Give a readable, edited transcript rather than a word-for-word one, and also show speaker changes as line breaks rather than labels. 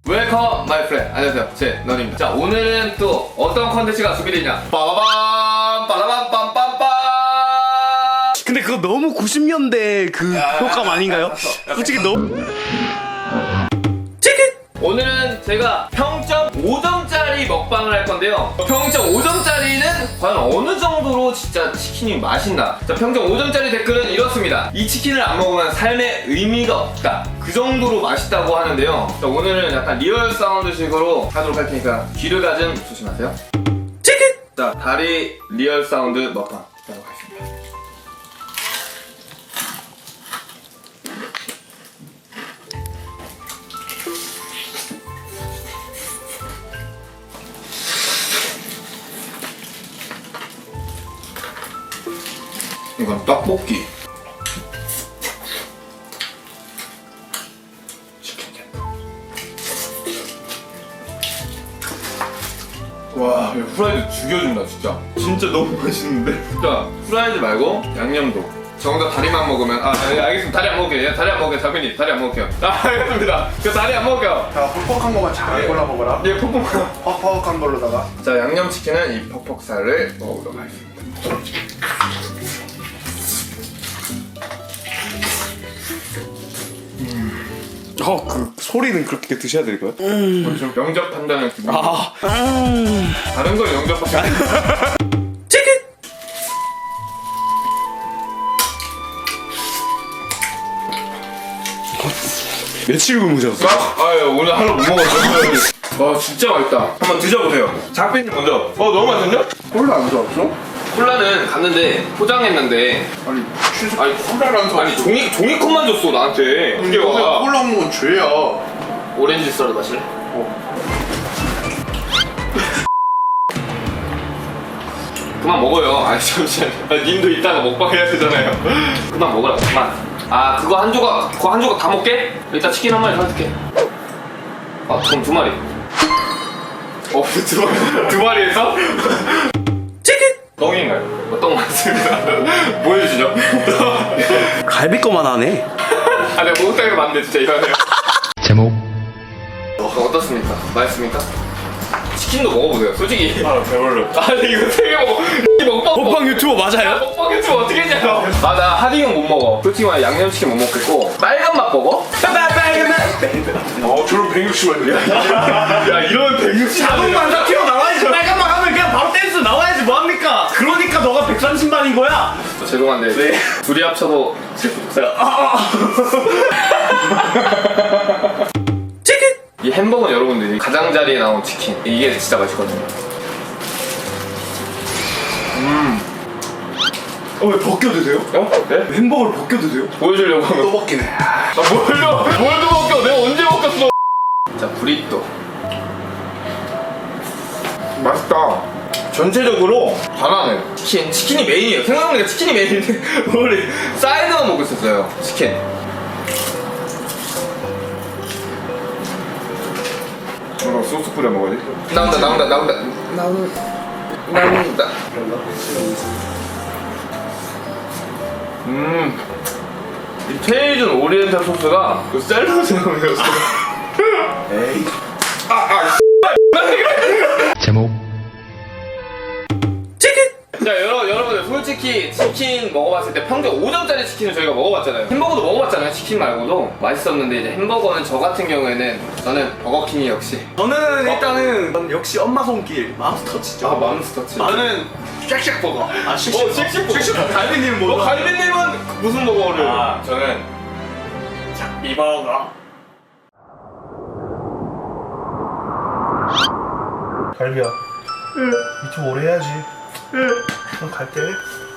웰컴 마이 프렌드. 안녕하세요, 제 너입니다. 자, 오늘은 또 어떤 컨텐츠가 준비되냐. 빠바밤 빠라밤 빰빰빰.
근데 그거 너무 90년대 그 효과음 아닌가요? 솔직히 너무.
오늘은 제가 평점 5점짜리 먹방을 할 건데요. 평점 5점짜리는 과연 어느 정도로 진짜 치킨이 맛있나? 자, 평점 5점짜리 댓글은 이렇습니다. 이 치킨을 안 먹으면 삶에 의미가 없다. 그 정도로 맛있다고 하는데요. 자, 오늘은 약간 리얼 사운드식으로 하도록 할 테니까 귀를 가좀 조심하세요. 치킨! 자, 다리 리얼 사운드 먹방 하도록 하겠습니다. 이건 떡볶이. 와, 이거 프라이드 죽여준다 진짜. 진짜 너무 맛있는데. 자, 프라이드 말고 양념도. 저 혼자 다리만 먹으면 알겠습니다. 다리 안 먹을게요. 다리 안 먹을게요. 작가님 다리 안 먹을게요. 알겠습니다. 저 다리 안 먹을게요.
자, 퍽퍽한 거만 잘 골라 먹어라.
예, 퍽퍽한.
퍽퍽한 걸로다가.
자, 양념치킨은 이 퍽퍽살을 먹어보도록 하겠습니다.
그 소리는 그렇게 드셔야 될 거예요?
좀 영접한다는 기분.
아,
다른 걸 영접하지.
치킨. 며칠 굶으셨어?
오늘 하루 못 먹었어요. 와, 진짜 맛있다. 한번 드셔보세요. 작빈님 먼저. 너무 맛있는데?
콜라 안 좋았어?
콜라는 갔는데 포장했는데
아니,
아니
콜라라는 거.
아니 종이컵만 줬어 나한테. 이게 와.
콜라 먹는 건 죄야.
오렌지 썰어 마실래? 그만 먹어요. 아니 잠시만. 님도 이따가 먹방 해야 되잖아요. 그만 먹으라. 그만. 그거 한 조각 다 먹게? 이따 치킨 한 마리 사줄게. 그럼 두 마리. 두 마리에서? 치킨! 똥인가요? 똥 맞습니다. 보여주시죠.
갈비 거만 하네.
내가 목욕탕에서 봤는데 진짜 이거네요.
제목
어떻습니까? 맛있습니까? 치킨도 먹어보세요. 솔직히.
배불러.
아니 이거 되게 먹어. 이
먹방 유튜버 맞아요?
먹방 유튜브 어떻게 했냐고. 나 하딩은 못 먹어. 솔직히 말해 양념치킨 못 먹겠고 빨간 맛 버거? 빨간 맛.
저런 160원이야?
야 이러면 160.
자동만 다 튀어나와야지. 빨간만 하면 그냥 바로 댄스 나와야지 뭐합니까? 그러니까 너가 130만인 거야.
죄송한데 둘이 합쳐도
치킨.
이 햄버거는 여러분들이 가장자리에 나온 치킨 이게 진짜 맛있거든요.
왜 벗겨 드세요?
네?
햄버거를 벗겨 드세요?
보여주려고 하면
또 벗기네.
뭘도 먹겨. 내가 언제 먹겼어. 자, 브리또 맛있다. 전체적으로 잘하네. 치킨이 메인이에요. 생각해보니까 치킨이 메인인데 우리 사이드만 먹고 있었어요. 치킨. 소스 뿌려 먹어야지. 나온다. 이 체이준 오리엔탈 소스가 그 샐러드에 넣어서
에이.
제목
자, 여러분들 솔직히 치킨 먹어봤을 때 평균 5점짜리 치킨을 저희가 먹어봤잖아요. 햄버거도 먹어봤잖아요. 치킨 말고도 맛있었는데 이제 햄버거는 저 같은 경우에는 저는 버거킹이 역시
저는 일단은 역시 엄마 손길 맘스터치죠.
맘스터치.
나는 쉑쉑 버거.
쉑쉑버거.
갈비님 뭐?
갈비님은 무슨 버거를? 저는
이 버거.
갈비야. 유튜브 오래 해야지. 그럼 갈게.